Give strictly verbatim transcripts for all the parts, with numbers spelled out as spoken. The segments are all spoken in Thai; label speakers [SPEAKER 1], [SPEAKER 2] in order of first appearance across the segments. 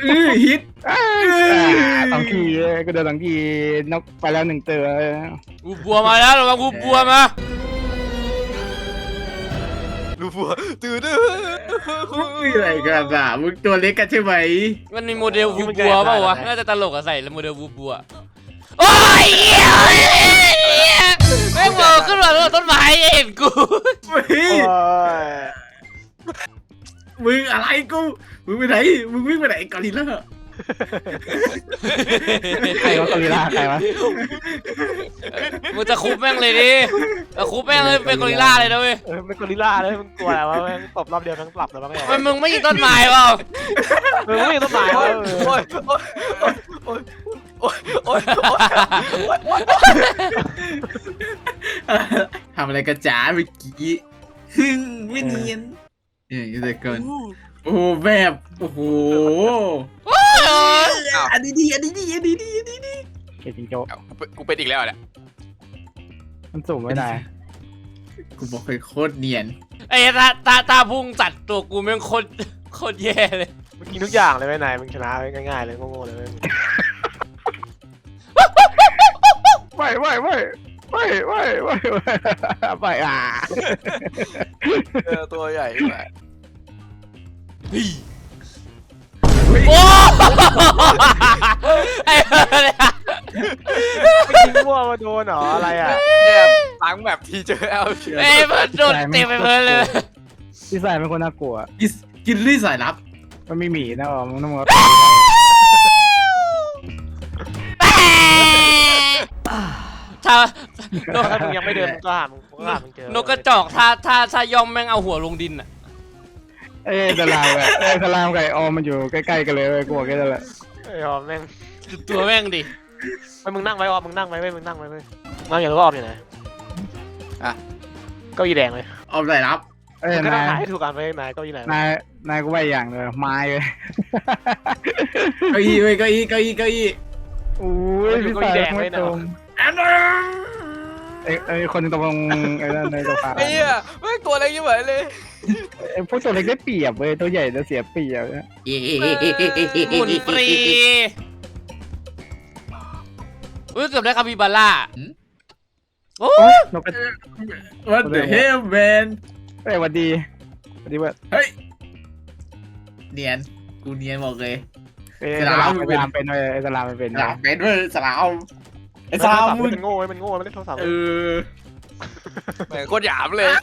[SPEAKER 1] เออฮิต
[SPEAKER 2] อ่าสองทีก็เดินสองทีนกไปแล้วหนึ่งตัว
[SPEAKER 3] วูบัวมาแล้วระวังวูบัวมา
[SPEAKER 4] ดูบัวตื่นดื้อ
[SPEAKER 1] มึงอะไรกันอ่ะมึงตัวเล็กกันใช่ไหม
[SPEAKER 3] มันมีโมเดลวูบัวเปล่าวะน่าจะตลกอะใส่แล้วโมเดลวูบัวโอ้ยเหี้ยแม่งมองขึ้นมาแล้วต้นไม้เห็นกู
[SPEAKER 1] เฮ้ยมึงอะไรกูมึงไปไหนมึงวิ่งไปไหนกอริลล่า
[SPEAKER 2] ใครวะกอริลลาใครวะ
[SPEAKER 3] มึงจะคุบแม่งเลยดิจะคุบแม่งเลยเป็นกอริลลาเลยนะเว้ย
[SPEAKER 5] เออเป็นกอริลลาเลยมึงกลัวอะไรวะแม่งตบรอบเดียวทั้งปรับแล้วบ้างไง
[SPEAKER 3] มันมึงไม่ยิงต้นไม้เปล่า
[SPEAKER 5] เออไม่ต้องหมาย
[SPEAKER 4] โอ้
[SPEAKER 5] ว่าย
[SPEAKER 4] โอ้ยโอ้ยโอ้ยโอ้ยโอ้ยโอ้ย
[SPEAKER 1] ทำอะไรกันจ๋าเมื่อกี้ฮึ่งไม่เนียนเออแต่ก่อนโอ้แบบโอ้โหอันนี้ดีอันนี้ดีอันนี้ดีอันนี้ดี
[SPEAKER 2] เกจิงโจ้
[SPEAKER 4] กูเป็นอีกแล้วเนี่ย
[SPEAKER 2] มันสูงไม่ได้
[SPEAKER 1] กูบอกเคยโคตรเนียน
[SPEAKER 3] ไอ้ตาตาตาพุ่งสัตว์ตัวกูแม่งโคตรโคตรแย่เลย
[SPEAKER 5] มึงกินทุกอย่างเลยไหมนายมึงชนะง่ายๆเลยโง่ๆเลย
[SPEAKER 2] ไม่ไม่ไม่ไม่ไม่ไม่ไม่อ่ะ
[SPEAKER 4] เออตัวใหญ่มาก
[SPEAKER 3] โอ้ไอ้เนี่ย
[SPEAKER 5] ไม่กินมั่วมาโดนเหรออะไรอ่ะ
[SPEAKER 4] เนี่ยตั้งแบบทีเจอเอลเชีย
[SPEAKER 3] ไอ้เพิ่นโดนเต็มไปเพิ่นเลย
[SPEAKER 2] พี่สายเป็นคนน่ากลัว
[SPEAKER 1] กินกินลี่สายลับ
[SPEAKER 2] มันมีหมีนะอ๋อมึงต้องมา
[SPEAKER 3] ถ้า
[SPEAKER 5] ถ้ามึงยังไม่เดินมึงก็หามึงก็หามึงเจอน
[SPEAKER 3] กกระจอกถ้าถ้าถ้าย่อมแม่งเอาหัวลงดินอ่ะ
[SPEAKER 2] เอ้ยสลามอะเอ้ยสลามไก่ออมมันอยู่ใกล้ๆกันเลยเว้ยกูบอกแค่นั้นแหละ
[SPEAKER 5] ไอ้ยอมแม่ง
[SPEAKER 3] ตัวแม่งดิ
[SPEAKER 5] ไปมึงนั่งไว้ออมมึงนั่งไว้เว้ยมึงนั่งไว้เว้ยนั่งอย่างรู้ว่าออมอยู่ไหนอะเก้าอี้แดงเลย
[SPEAKER 1] เอาสายลับ
[SPEAKER 2] เอ้ย
[SPEAKER 5] มึงก็ต้อน
[SPEAKER 2] าง ย
[SPEAKER 5] หาให้ถูกกันไว้นายเก้าอี้ไหน
[SPEAKER 2] นายนายกูว่าอย่างเลยไม้เลย
[SPEAKER 1] เก้าอี้เว้ยเก้าอี้เก้าอี้เก้าอี้
[SPEAKER 2] อุ้ยพี่สายไม่ตรง
[SPEAKER 1] อันนั้น
[SPEAKER 2] เอ้ยเอ้ยคนตรงไอ้นั่นในตัวฟ้า
[SPEAKER 4] ไอ้เหี้ยแม่งตัวอะไรยิ่งเหมือนเลย
[SPEAKER 2] ไอ้พวกตัวเล็กได้เปรียบเว้ยตัวใหญ่จะเสียเปรียบเนี่ย
[SPEAKER 1] เอ๊ะ
[SPEAKER 3] หมุนฟรีอุ้ยเกือบได้คาปิบาร่าโอ้
[SPEAKER 2] โอ๊ยนกกระ
[SPEAKER 1] What the hell man
[SPEAKER 2] เอ้ยหวัดดีหวัดดีเว้ย
[SPEAKER 1] เฮ้ยเนียนกูเนียนบอกเลย
[SPEAKER 2] เอ้ย
[SPEAKER 1] ส
[SPEAKER 2] ส
[SPEAKER 1] ลา
[SPEAKER 2] ลาม มเป็นเป็นเว้ยไอ้สลามมันเป็น
[SPEAKER 1] สลามเป็นเว้ยสลามไอ้ส
[SPEAKER 5] สา
[SPEAKER 1] ลาม
[SPEAKER 5] ม
[SPEAKER 1] มึง
[SPEAKER 5] มันโง่มันโง่มันเล่นโทรศัพท์
[SPEAKER 1] เออ
[SPEAKER 4] แม่งโคตรหยามเลย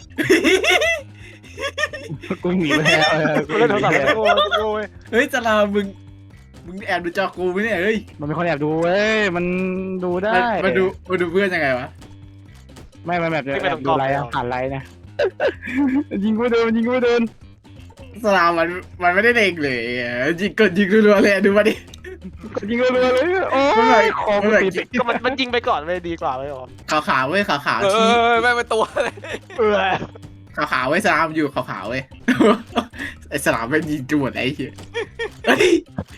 [SPEAKER 2] กูหนีไปแล้วเออกู
[SPEAKER 5] มัน
[SPEAKER 2] ห
[SPEAKER 5] เล่นโทร
[SPEAKER 2] นี
[SPEAKER 5] ศัพท์
[SPEAKER 2] ไป
[SPEAKER 5] มัน
[SPEAKER 2] แล้ว
[SPEAKER 5] โง่มันโง่เว้ย
[SPEAKER 1] เฮ้ยสลามมึงมึงแอบดูจอกูไหมเนี่ยเฮ้ย
[SPEAKER 2] มันเป็นคนแอบดูเว้ยมันดูได้
[SPEAKER 1] มาดูมาดูเพื่อนยังไงวะ
[SPEAKER 2] ไม่มันแบบแอบดูไลน์อะผ่านไลน์นะยิงกูไม่โดนยิงกูไม่โดน
[SPEAKER 1] สลามมันมันไม่ได้เด็กเลยยิงกดยิงรัวๆเลยดูมาดิ
[SPEAKER 2] ยิงรัวๆเลยโอ้ยคอมันติด
[SPEAKER 5] ก็มันมันยิงไปก่อนเลยดีกว่าเลยออม
[SPEAKER 1] ขาวขาวเว้ยขาวขาว
[SPEAKER 4] เอ
[SPEAKER 1] ชี้
[SPEAKER 4] อแม่งเป็นตัวเลย
[SPEAKER 5] เออ
[SPEAKER 1] ขาวขาวเว้ยสลามอยู่ขาวขาวเว้ยไอ้สลามไม่ยิงจวดไอ้เหี้ยเฮ้ย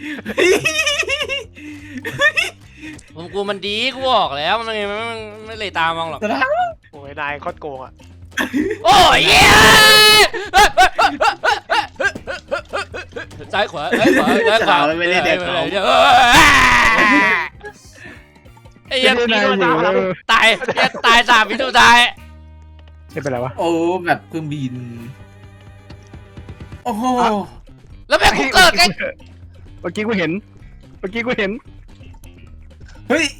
[SPEAKER 3] ผมกูมันดีกูบอกแล้วมันไม่ไม่ไม่เลยตามมองหรอก
[SPEAKER 1] สลาม
[SPEAKER 5] โอ้ยนายโคตรโกงอ่ะ
[SPEAKER 3] โอ้ยเย้ซ้ายขวาซ้ายขวาซ้ายขวาไอ้ยัน
[SPEAKER 2] ไม่ได้อยู่เลย
[SPEAKER 3] ตายยันตายสามวิสุดท้าย
[SPEAKER 2] ไม่เป็นไรวะ
[SPEAKER 1] โอ้แบบเครื่องบินโอ้โห
[SPEAKER 3] แล้วแม่งกูเกิดไง
[SPEAKER 2] เมื่อกี้กูเห็นเมื่อกี้กูเห็น
[SPEAKER 1] เฮ้ย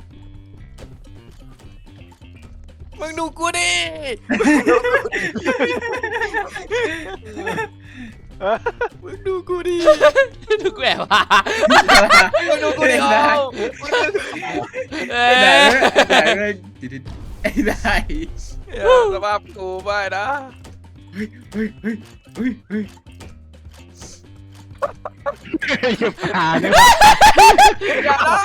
[SPEAKER 4] มึงดูกูดิ มึงดูกูดิ
[SPEAKER 3] ดูกูแอบว่า
[SPEAKER 4] มึงดูกูดิเอา
[SPEAKER 3] เอ
[SPEAKER 1] ไอ้ไหน
[SPEAKER 3] อ
[SPEAKER 1] ไอ้ไหนไอ้ไหน
[SPEAKER 4] สภาพกูไม่นะ
[SPEAKER 1] เฮ้ยเฮ้ยเฮ้ยเฮ้ยเฮ้ย
[SPEAKER 2] หยุดผ่าเนี่ย
[SPEAKER 4] อย่านะ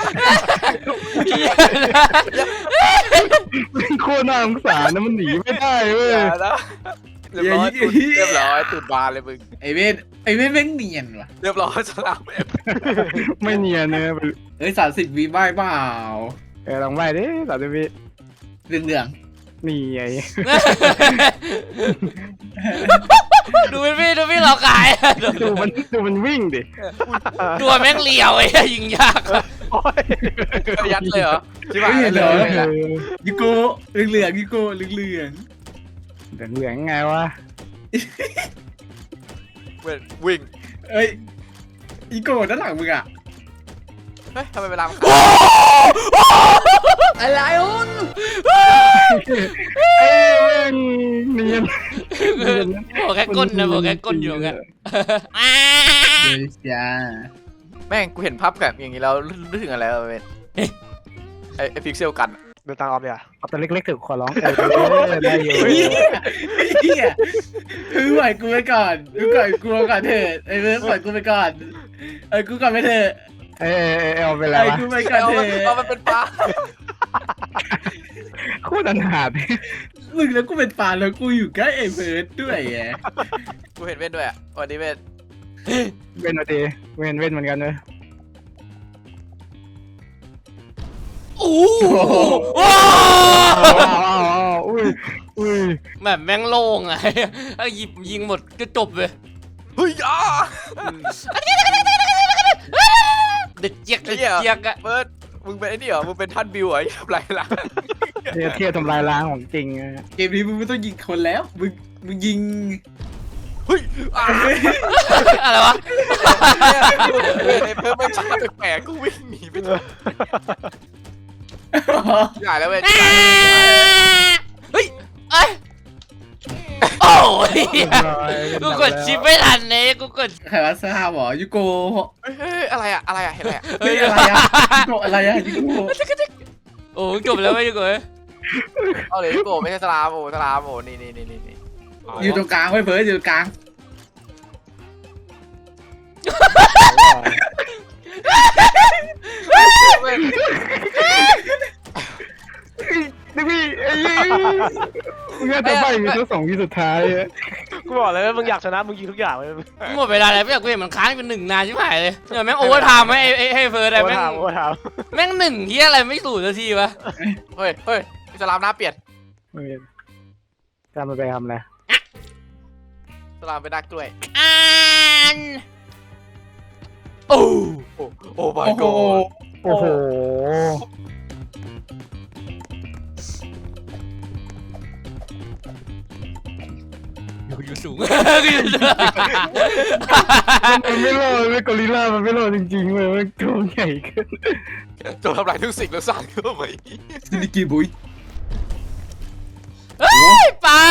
[SPEAKER 2] โคตรน่าสงสารนะมันหนีไม่ได้เว้ย
[SPEAKER 4] อย่านะเรียบร้อยตุดเรียบร้อยตุดบานเลยมึง
[SPEAKER 1] ไอ้เว้นไอ้เว้นแม่งเนียนว่ะ
[SPEAKER 4] เรียบร้อยสลามเอฟ
[SPEAKER 2] ไม่เนียนเนี่ย
[SPEAKER 1] เฮ้ยสามสิบวิบ้าเปล่า
[SPEAKER 2] เออลองไปดิสามสิบวิ
[SPEAKER 1] เรื่องเรื่อง
[SPEAKER 2] นี่ไง
[SPEAKER 3] ดูมันวิ่งดูวิ่งเราขายดู
[SPEAKER 2] ดูมันดูมันวิ่งดิ
[SPEAKER 3] ดูแม่งเลี้ยวไอ้ยิงยาก
[SPEAKER 5] โอ้ย
[SPEAKER 4] ยัดเลยเหรอชิบหาย
[SPEAKER 1] ไม่
[SPEAKER 4] เล
[SPEAKER 1] เห็น
[SPEAKER 4] ย
[SPEAKER 1] เหรอ
[SPEAKER 4] เลยละ
[SPEAKER 1] ยูโก้เหลืองๆยูโก้เหลือง
[SPEAKER 2] เหลืองเหลืองไงวะ
[SPEAKER 4] เว้ยวิ่ง
[SPEAKER 1] ๆเอ้ยยูโก้ด้านหลังมึงอะ
[SPEAKER 4] เฮ้ยทำไมเวลามัน
[SPEAKER 1] อะไรอุ้น
[SPEAKER 2] เอ้ยแม่งเนียน
[SPEAKER 3] บอกแค่ก้นนะบอกแค่ก้นอยู่งั้น
[SPEAKER 1] เดี๋ยวจ้า
[SPEAKER 4] แม่งกูเห็นภาพแบบอย่างนี้แล้วนึกถึงอะไรวะเว้ยไอ้ไอ้พิกเซลกัน
[SPEAKER 5] เดินตามออมเนี่ย
[SPEAKER 2] เอาตัวเล็กๆถึงขอร้องเออได้อยู่
[SPEAKER 1] เฮียเฮียคือปล่อยกูไปก่อนกูปล่อยกูก่อนเถอะไอ้เบิร์ดปล่อยกูไปก่อนไอ้กูก่อนไปเถอะ
[SPEAKER 2] เออเอาไปแล้ว
[SPEAKER 1] ไอ้
[SPEAKER 2] วะ
[SPEAKER 1] กูไปก่อน
[SPEAKER 4] เอา
[SPEAKER 1] เถ
[SPEAKER 4] มันเอา
[SPEAKER 1] อะ
[SPEAKER 4] มันเป็นปลา
[SPEAKER 2] โคตรอันหาด
[SPEAKER 1] มึงแล้วกูเป็นปลาแล้วกูอยู่ใกล้ไอ้เบิร์ดด้วยไง
[SPEAKER 4] กูเห็นเว้นด้วยอ่ะวันนี้เว้น
[SPEAKER 2] เว้นเอาดีเว้นเว้นเหมือนกันเลย
[SPEAKER 3] โอ้โห
[SPEAKER 2] อ้าวอ้าวอ้าวอุ้ยอุ้ย
[SPEAKER 3] แบบแม่งโล่งไงถ้าหยิบยิงหมดก็จบเลย
[SPEAKER 4] เฮ้ยอ่ะ
[SPEAKER 3] เด็ดเจี๊ยกเด็ดเจี๊ยกอะ
[SPEAKER 4] เบิร์ดมึงเป็นไอ้นี่เหรอมึงเป็นท่านบิวเหรอทำไรล่ะ
[SPEAKER 2] เทียบเทียบทำลายล้างของจริงอะ
[SPEAKER 1] เกมนี้มึงไม่ต้องยิงคนแล้วมึงมึงยิง
[SPEAKER 4] เฮ้ยอ่ะ
[SPEAKER 3] อะไรวะ
[SPEAKER 4] เว้ยไอ้เพิ่มไม่ช้าแปลกๆกูวิ่งหนีไปเลยใหญ่แล้วเว้ย
[SPEAKER 3] เฮ้ยเอ้ยโอ้ย
[SPEAKER 2] เรียบร้อย
[SPEAKER 3] กูกดชิปไม่ทันเนี่ยกูกด
[SPEAKER 1] ใครว่าทราบหรอยูโก
[SPEAKER 4] เฮ้ยอะไรอะอะไรอะเห็นอะไรอะ
[SPEAKER 1] เฮ้ยอะไรอะยูโกอะไรอะยูโก
[SPEAKER 3] โอ้จบแล้วไม่กู
[SPEAKER 4] เอาเลยโกไม่ใช่สลามโอ้สลามโอ้นี่นี่นี่นี่นี่
[SPEAKER 1] อยู่ตรงกลางไว้เบิร์ดอยู่ตรงกลาง
[SPEAKER 2] นี่พี่ไอ้ยี่มึงจะไปมีทั้งสองวิสุดท้ายอะ
[SPEAKER 5] กูบอกเลยว่ามึงอยากชนะมึงยิงทุกอย่างเลย
[SPEAKER 3] หมดเวลาแล้วไม่อยากกูเห็นมันค้างเป็นหนึ่งนานชิบหายเลยเนี่ยแม่งโอเวอร์ไทม์ไหมไอ้ให้เฟิร์สอะไร
[SPEAKER 5] โอ้
[SPEAKER 3] แม่ง
[SPEAKER 5] ถามโอ้ถาม
[SPEAKER 3] แม่งหนึ่งเฮียอะไรไม่สูญนาทีวะ
[SPEAKER 4] เฮ้ยเฮ้ยสลามหน้าเปลี่ยน
[SPEAKER 2] ไม่มีจำมันไปทำอะไร
[SPEAKER 4] สลามเป็นนักกล้วย
[SPEAKER 3] อ่านโอ้
[SPEAKER 4] โอ้โอ้ my
[SPEAKER 1] โอ้โห
[SPEAKER 4] god
[SPEAKER 2] โอ้โห
[SPEAKER 3] อยู่อยู่สูงอยู่สูง
[SPEAKER 2] มันไม่รอดไม่กอริลลามันไม่รอดจริงๆเลยมันตัวใหญ่เกิน
[SPEAKER 4] จงทำลายทุกสิ่งแล้วสร้างขึ้นมาใหม่
[SPEAKER 1] ซินิกิบุย
[SPEAKER 3] เฮ้ยปลา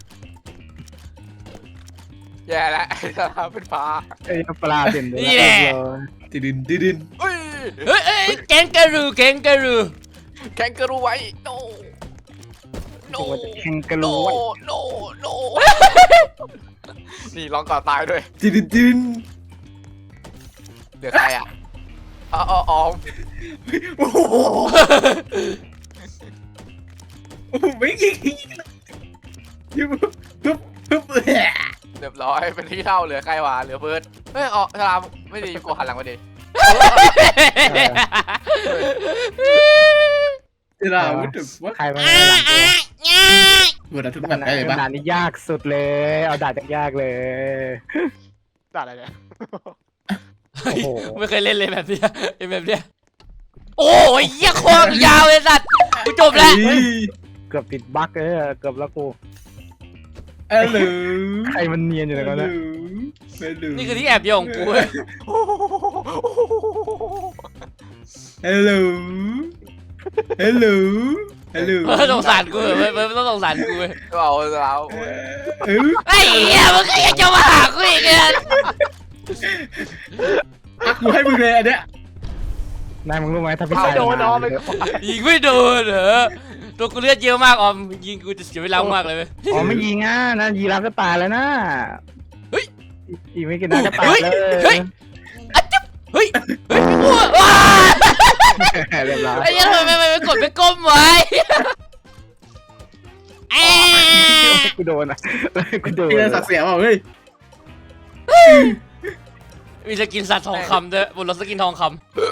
[SPEAKER 4] แย่แล้วสลามเป็นปลา
[SPEAKER 2] ไอ้ปลาเต็มเลย
[SPEAKER 1] ติดินติดิน
[SPEAKER 4] เฮ้ย
[SPEAKER 3] เฮ้ยเฮ้ยแกงกะรูแกงกะรู
[SPEAKER 4] แข่งกระรูไว้ no no
[SPEAKER 2] แข่งกระ
[SPEAKER 4] no
[SPEAKER 2] โดด
[SPEAKER 4] no no นี่ร้องก่อนตายด้วย
[SPEAKER 1] ติดินติดิน
[SPEAKER 4] เหลือใครอ่ะอ๋ออ๋ออ๋อ
[SPEAKER 1] โอ้โหไม่ยิงยูปุ๊บปุ๊บ
[SPEAKER 4] เรียบร้อยเป็นที่เท่าเหลือใครวะเหลือเบิร์ดเฮ้ยอ๋อสลามไม่ดีกูหันหลังมาดิ
[SPEAKER 1] เวลาวุ้นว่า
[SPEAKER 2] ใครมาหลังตัว
[SPEAKER 1] วุ้นทุก
[SPEAKER 2] ข
[SPEAKER 1] แบบ
[SPEAKER 2] นาด
[SPEAKER 1] ได้เลยปะ
[SPEAKER 2] ขนาดนี้ยากสุดเลย เอาดาบยากเลย
[SPEAKER 5] ด่าอะไรเนี่ย
[SPEAKER 2] โอ้โห
[SPEAKER 3] ไม่เคยเล่นเลยแบบเนี้ยไอ้แบบเนี้ยโอ้ยเหี้ยโคตรยาวเลยสัตว์กูจบแล้ว
[SPEAKER 2] เกือบติดบั๊กเลยอะเกือบแล้วกู
[SPEAKER 1] เออหรือ
[SPEAKER 2] ใครมันเนียนอยู่ในนั้นนะ
[SPEAKER 3] นี่คือที่แอบเดียวของกูเว้ย
[SPEAKER 1] ฮัลโหลฮัลโหลฮัลโหล
[SPEAKER 3] เออสงสารกูเว้ยเว้ยไม่ต้องสงสารกูเว้ย
[SPEAKER 4] ก็เอาสลาม
[SPEAKER 1] เออ
[SPEAKER 3] ไอ้เหี้ยมึงก็ยังจะมาหากูอีกเนี่ย
[SPEAKER 1] อ่ะกูให้มึงเลยอันเนี้ย
[SPEAKER 2] นายมึงรู้ไหมถ้าพี่
[SPEAKER 5] เอา
[SPEAKER 2] ชาย
[SPEAKER 5] โดนน้องไป
[SPEAKER 3] ยิงไม่โดนเหรอตัวกูเลือดเยอะมากออมยิงกูจะเสียเวลามากเลยเว้ย
[SPEAKER 2] อ๋อไม่ยิงอ่ะนะยีราฟก็ตายแล้วนะ
[SPEAKER 3] เฮ้ย
[SPEAKER 2] อีกไม่กี่นัดก็ตายเลย
[SPEAKER 3] เฮ้ยอะจิ๊บเฮ้ยเฮ้ยอ้วว้า
[SPEAKER 2] เรียบร้อย
[SPEAKER 3] ไอ้เหี้ยทำไมไม่ไม่กดไปก้มไว้แอะ
[SPEAKER 2] กูโดนอ่ะกูโดน
[SPEAKER 1] พี่สักเสียเปล่าเฮ้ย
[SPEAKER 3] มีสกินสัตว์ทองคำด้วยบนรถสกินทองค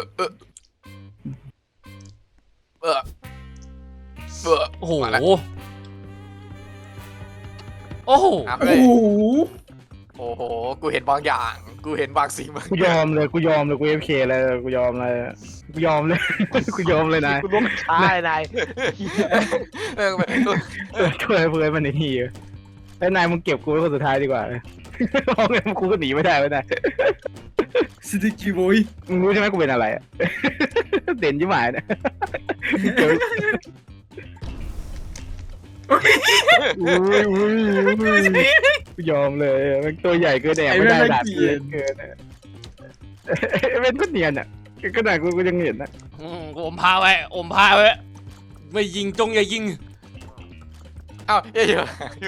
[SPEAKER 4] เออเออ
[SPEAKER 3] ำโอ้โหโอ้โห
[SPEAKER 4] อ่ะ
[SPEAKER 1] โอ้
[SPEAKER 4] เฮ้ย
[SPEAKER 1] โห
[SPEAKER 4] โอ้โหกูเห็นบางอย่างกูเห็นบางสิ่งบาง
[SPEAKER 2] กูยอมเลยกูยอมเลยกูเอฟเคเลยกูยอมเลยกูยอมเลยกูยอมเลยนาย
[SPEAKER 5] กูล้มช้าไอ้นาย
[SPEAKER 4] เออ
[SPEAKER 2] ช่วยเพื่อนมันไอ้เหี้ยไอ้นายมึงเก็บกูไว้คนสุดท้ายดีกว่าเพราะงั้นกูก็หนีไม่ได้ไม่ได้
[SPEAKER 1] สติกิบอย
[SPEAKER 2] มึงรู้ใช่ไหมกูเป็นอะไรอะเด่นยิ่งหมายนะอุ้ยอุ้ยอุ้ยกูยอมเลยมันตัวใหญ่เกินแดดไม่ได้ดาบเกินเกินเป็นก็เนียนอ่ะขนาดกูกูยังเห็นนะ
[SPEAKER 3] อืมกูอมพาไว้อมพาไว้ไม่ยิงจงอย่ายิง
[SPEAKER 4] เอ้าเยอะอยู่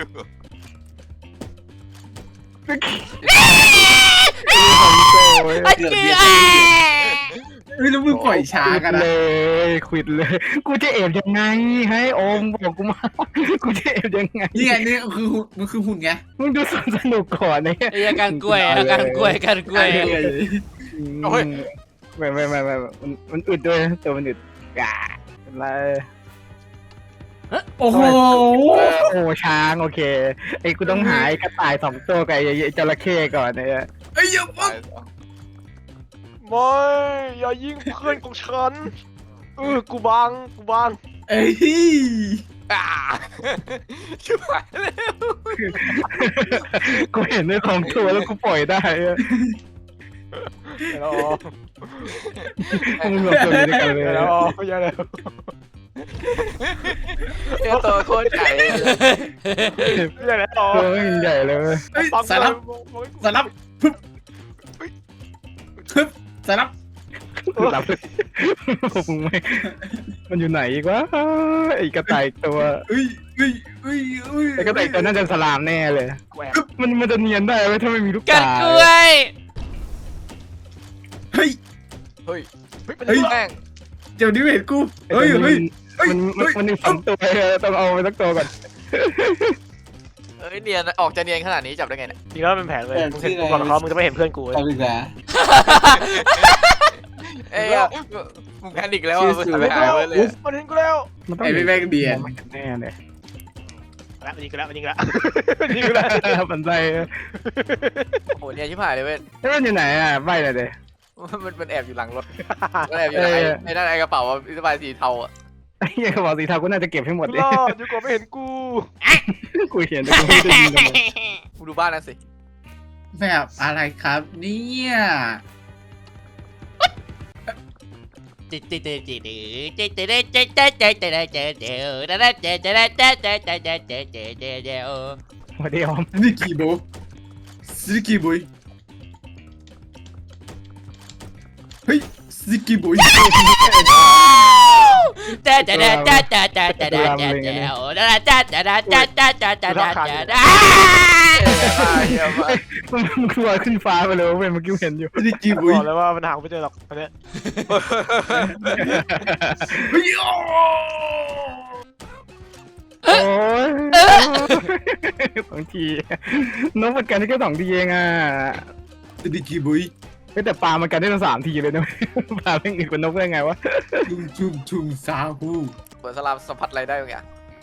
[SPEAKER 3] ไอ้เจี๊ย
[SPEAKER 1] เฮ้ยแล้วมึงปล่อยช้ากัน
[SPEAKER 2] เล
[SPEAKER 1] นะ
[SPEAKER 2] ยควิดเลย กูจะเอฟยังไงให้โอมบอกกูมากูจะเอฟยังไง
[SPEAKER 1] นี่ไงนี่คือหุ่นมันคือหุ่นไง
[SPEAKER 2] มึงดูสนสนุกก่อนเนี่ย
[SPEAKER 3] ไอ้อาการกล้วยอาการกล้วยอาการกล้วย
[SPEAKER 2] ไม่ไม่ไม่ไม่มันมันอึดด้วยตัวมันอึดอ่าอะไร
[SPEAKER 1] โอ้โห
[SPEAKER 2] โอ้ช้างโอเคไอ้กูต้องหาไอ้กระต่ายสองตัวกับไอ้จระเข้ก่อนเนี่ย
[SPEAKER 1] ไอ้ยยังปั๊บ
[SPEAKER 5] ไม่อย่ายิงเพื่อนของฉันเออกูบังกูบัง
[SPEAKER 1] เอ้ย
[SPEAKER 4] อ่าชิบหายเลย
[SPEAKER 2] กูเห็นในของตัวแล้วกูปล่อยได้อะ
[SPEAKER 5] แล้ว
[SPEAKER 2] มึงรวมตัวอยู่ด้วยกันเลย
[SPEAKER 5] แล้วอย่าแล้ว
[SPEAKER 4] เจ้าตัวโคตรใหญ่เลย
[SPEAKER 5] อย่าแล้ว
[SPEAKER 2] ตัวมันใหญ่เลย
[SPEAKER 1] เฮ้ยสารับสารับปึ๊บปึ๊บสารับ
[SPEAKER 2] หลับมึงไม่มันอยู่ไหนอีกวะไอ้กระต่ายตัว
[SPEAKER 1] เอ้ยเอ้ยเอ้ยเอ้ย
[SPEAKER 2] ไอ้กระต่ายตัวน่าจะสลามแน่เลย
[SPEAKER 5] แหวก
[SPEAKER 2] มันมันจะเนียนได้ไหมถ้าไม่มีลูก
[SPEAKER 3] การ
[SPEAKER 2] ตาก
[SPEAKER 3] ล้วย
[SPEAKER 1] เฮ้ย
[SPEAKER 4] เฮ้ย
[SPEAKER 1] เฮ้ย
[SPEAKER 4] แม่ง
[SPEAKER 1] เดี๋ยวนี้เห็นกูเฮ้ยเฮ้ย
[SPEAKER 2] มันมันมันมีสองตัวต้องเอาไปสักตัวก่อน
[SPEAKER 4] เอ้ยเนียนออกจะเนียนขนาดนี้จับได้ไงเนี่ย
[SPEAKER 5] จริงแล้วเป็นแผนเลยมึงเห็นกูก่อนเขามึงจะไม่เห็นเพื่อนกูเลย
[SPEAKER 1] ทำอีกแล้ว
[SPEAKER 4] เอ้ยมึงแพนิกแล้วมึงทำไม่หายไปเลย
[SPEAKER 5] มันเห็นกูแล้ว
[SPEAKER 2] มันต้อง
[SPEAKER 1] ไอ้แม่งเดียน
[SPEAKER 2] มันแน่เลย
[SPEAKER 5] แล้วมันยิงกูแล้วมันยิงกูแล้วมันยิงกูแล้ว
[SPEAKER 2] มันใจ
[SPEAKER 4] โหเนียนชิบหายเลยเว้ย
[SPEAKER 2] แล้วมันอยู่ไหนอ่ะใบอะไรเด้
[SPEAKER 4] มันมันแอบอยู่หลังรถมันแอบอยู่ในในด้านไอ้กระเป๋าสบายสีเทาอ่ะ
[SPEAKER 2] ไอ้เหี้ยกระบอกสีเทากูน่าจะเก็บให้หมด
[SPEAKER 5] ร
[SPEAKER 2] เลย
[SPEAKER 5] อดอยู่ก่อนไม่เห็นกู
[SPEAKER 2] กูเห็นแต่กูไม่ได้ยินเลย
[SPEAKER 4] มึงดูบ้านนั่นสิ
[SPEAKER 1] แบบอะไรครับเนี่ย
[SPEAKER 3] จิตจิตจิตจิตจิตจิตจิตจิตจิตจิตจิตจิตจิตจิตจิตจิตจิตจิตจิต
[SPEAKER 2] มาเดียว
[SPEAKER 1] นี่กี่โบซิกี่บุยเฮ้ยซิกี่บุย
[SPEAKER 3] แต่แต่แต่แต่แต่แต่แต่แต่แต่แต่แต่แต่แต่แต่แต่แต่แต่แต่
[SPEAKER 4] เยี่ยมมาก
[SPEAKER 2] มันกลัวขึ้นฟ้าไปเลยเว้ยเมื่อกี้เห็นอยู่
[SPEAKER 1] ซิกี่บุย
[SPEAKER 5] บอกเลยว่ามันหาไม่เจอหรอกอันเนี้ย
[SPEAKER 1] เฮ้ย
[SPEAKER 2] โอ้ยสองทีนกมันกันได้แค่สองทีเองอ่ะ
[SPEAKER 1] ซิกี่บุย
[SPEAKER 2] แต่ปลามันกันได้ตั้งสามทีเลยนะปลาเป็นอีกกว่านกได้ไงวะ
[SPEAKER 1] ชุมชุมชุมซาฮู
[SPEAKER 4] เปิดสลามสัมผัสอะไรได้บางอย่าง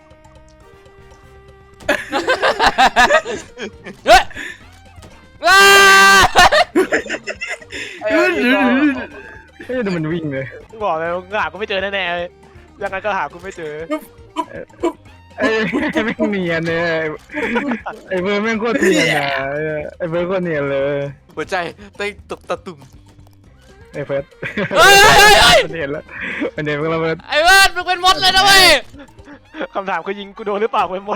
[SPEAKER 3] เฮ้ยว้า
[SPEAKER 4] เอ้ย
[SPEAKER 2] เฮ้ยดูมันวิ่งเลย
[SPEAKER 5] บอกเลยว่าหากูไม่เจอแน่ๆเลยยังไงก็หากูไม่เจอ
[SPEAKER 2] ไอ้แม่งเนียนเนี่ยไอ้เบอร์แม่งโคตรเนียนอ่ะไอ้เบอร์โคตรเนียนเลย
[SPEAKER 4] หัวใจเต้นตุกตะตุ่ม
[SPEAKER 2] ไอ้เฟิร์ส
[SPEAKER 3] เฮ้ยเฮ้ยเฮ้ย
[SPEAKER 2] มันเห็นแล้วมันเห็นแล้วเฟิร์ส
[SPEAKER 3] ไอ้เบิร์ดมึงเป็นมดเลยนะเว้ย
[SPEAKER 5] คำถามคือยิงกูโดนหรือเปล่ากูหมด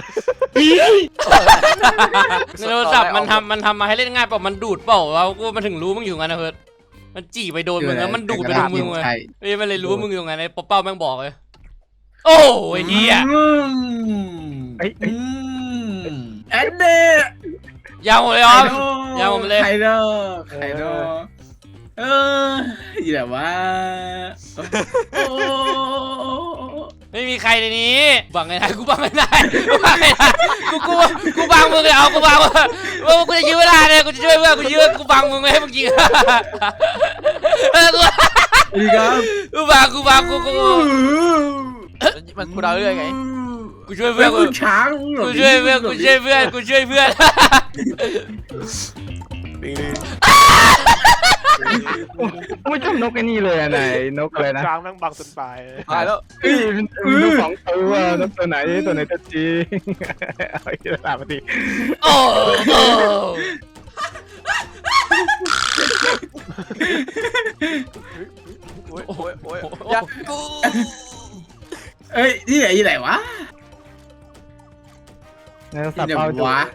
[SPEAKER 3] ในโทรศัพท์มันทำมันทำมาให้เล่นง่ายเปล่ามันดูดเปล่าเรากูมันถึงรู้มึงอยู่งั้นนะเพิร์ดมันจี่ไปโดนมึงแล้วมันดูดไปโดนมึงเลยเอ้ยมันเลยรู้ว่ามึงอยู่งั้นไอ้ป๊อปเป้าแม่งบอกเลยโอ้ยเฮีย
[SPEAKER 2] ไอ้
[SPEAKER 1] แอนเด
[SPEAKER 3] ยาวเลยอ๋อ ยาวมาเลย
[SPEAKER 1] ไคโดไคโดเอออีแบบว่าโอ้
[SPEAKER 3] ไม่มีใครในนี้บังไงนะกูบังไงนะกูบังไงนะกูกูกูบังมึงเลยเอากูบังว่าว่ากูจะยื้อเวลาเลยกูจะช่วยเพื่อนกูยื้อกูบังมึงไม่ให้มึงยิงเออกู
[SPEAKER 1] ดีครับ
[SPEAKER 3] กูบังกูบังกูกู
[SPEAKER 4] มันกูเดาเรื่อยไง
[SPEAKER 3] กูช่วยเพื่อนกู
[SPEAKER 1] ช้าง
[SPEAKER 3] กูช่วยเพื่อนกูช่วยเพื่อนกูช่วยเพื่อน
[SPEAKER 2] ไม่ชอบนกไอ้นี่เลยอะไหนนกอะไรนะ
[SPEAKER 5] กลางแม่งบังจนตาย
[SPEAKER 4] ตายแล้ว
[SPEAKER 2] เอ้ยมันนกสองตัวนกตัวไหนตัวไหนตัวจริงเอาอีกแล้วมาดิ
[SPEAKER 3] โอ้โอ้
[SPEAKER 4] โอ้ยโอ้ยโอ้ยอย่ากู
[SPEAKER 1] เอ้ยที่ไหนที่ไหนวะ
[SPEAKER 2] แล้วสั
[SPEAKER 1] ที่
[SPEAKER 2] บ
[SPEAKER 1] ไหน
[SPEAKER 2] เป้าดู
[SPEAKER 1] วะ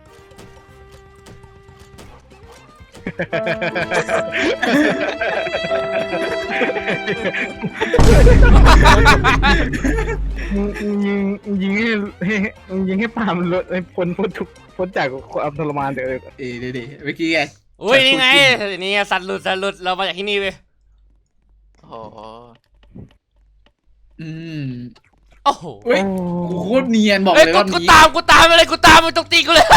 [SPEAKER 2] มึงยิงยิงให้ให้ยิงให้ปาล์มลดให้พ้นพ้นทุกพ้นจากความทรมานเดี๋ยว
[SPEAKER 1] เอ้ยเดี๋ยวเดี๋ยวเมื่อกี้ไง
[SPEAKER 3] อุ้ยนี่ไงนี่ไงสัตว์หลุดสัตว์หลุดเรามาจากที่นี่เว้ย
[SPEAKER 4] โอ้โห
[SPEAKER 1] อืม
[SPEAKER 3] โอ้โห
[SPEAKER 1] เฮ้ยกูโคตรเนียนบอก
[SPEAKER 3] เอ้ย
[SPEAKER 1] เลย
[SPEAKER 3] กู
[SPEAKER 1] ว่า
[SPEAKER 3] กู
[SPEAKER 1] นี้
[SPEAKER 3] ตามกูตามไปเลยกูตามไปตรงตีกูเลย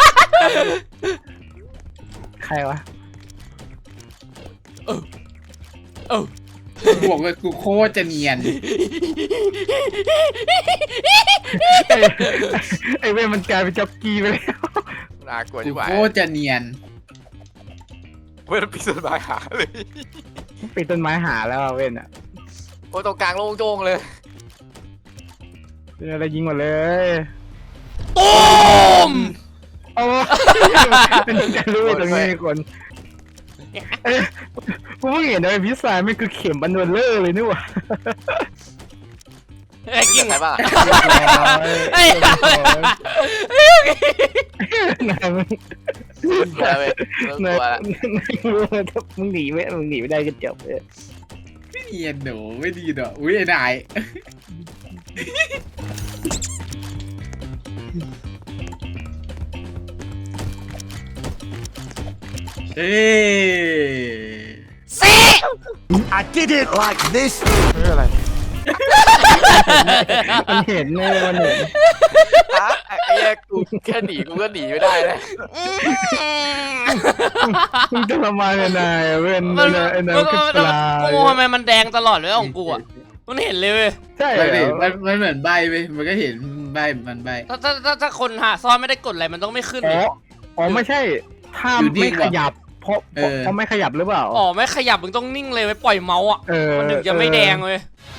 [SPEAKER 2] ใครวะ
[SPEAKER 3] เออเออ
[SPEAKER 1] กูบอกเลยกูโคตรจะเนียน
[SPEAKER 2] ไอ้ไอ้เว้ยมันกลายเป็นจ็อกกี้ไปแล้ว
[SPEAKER 4] น่ากลัว
[SPEAKER 1] กู
[SPEAKER 4] ที่ไหว
[SPEAKER 1] โคตรจะเนียน
[SPEAKER 4] เว้ยปีศาจหาเลย
[SPEAKER 2] ปีนต้นไม้หาแล้วอะเว้นอ่ะ
[SPEAKER 4] โอ้ยตรงกลางโล่งโจ้งเลย
[SPEAKER 2] เป็นอะไรยิงหมดเลย
[SPEAKER 3] ตูม
[SPEAKER 2] โอ้จะรู้ตรงนี้มีคนเอ้ยกูเพิ่งเห็นเลยพิซซ่าไม่คือเข็มบันเดอร์เลอร์เลยนี่หว่า
[SPEAKER 3] ไอ้กิ้ง
[SPEAKER 4] ใครบ้าง
[SPEAKER 3] ไอ้
[SPEAKER 2] นายมึง
[SPEAKER 4] กลัวเลยเริ่ม
[SPEAKER 2] นาก ย
[SPEAKER 4] ลัวละ
[SPEAKER 2] นายรู้ว่าถ้ามึงหนีไม่มึงหนีไม่ได้ก็จบเลย
[SPEAKER 1] ไม่เนียนหนูไม่ดีหรอกอุ้ยไอ้นายเอ้ย
[SPEAKER 3] สิ
[SPEAKER 6] I did it like this.
[SPEAKER 5] ไม่เป็นไร
[SPEAKER 2] มันเห็นเลยมันเห็น
[SPEAKER 4] ฮะไอ้ไอ้เหี้ยกูแค่หนีกูก็หนีไม่ได้เลย
[SPEAKER 2] มึงจะทรมานนายอะเว้น
[SPEAKER 3] มัน
[SPEAKER 2] ไอ้นาย
[SPEAKER 3] มัน
[SPEAKER 2] คือปลา
[SPEAKER 3] กูทำไมมันแดงตลอดเลยของกูอ่ะมันเห็นเลยเว้ย
[SPEAKER 2] ใช่
[SPEAKER 1] ไม่
[SPEAKER 2] เหร
[SPEAKER 1] ดิ
[SPEAKER 2] อ
[SPEAKER 1] มันมันเหมือนใบไปมันก็เห็นใบมันใบ
[SPEAKER 3] ถ้าถ้าถ้าถ้าคนหาซ่อนไม่ได้กดอะไรมันต้องไม่ขึ้น
[SPEAKER 2] อ๋
[SPEAKER 3] เล
[SPEAKER 2] อย อ๋อไม่ใช่ถ้า
[SPEAKER 1] อยู่นิ่
[SPEAKER 2] ไม่
[SPEAKER 1] ง
[SPEAKER 2] ข
[SPEAKER 1] ว่ะ
[SPEAKER 2] ยับเพราะเพราะ
[SPEAKER 1] เออ
[SPEAKER 2] เพราะไม่ขยับหรือเปล่า
[SPEAKER 3] อ๋อไม่ขยับมึงต้องนิ่งเลยไว้ปล่อยเมาส์อ่ะ
[SPEAKER 2] เออ
[SPEAKER 3] มันถึงจะไม่แดงเลย
[SPEAKER 2] เ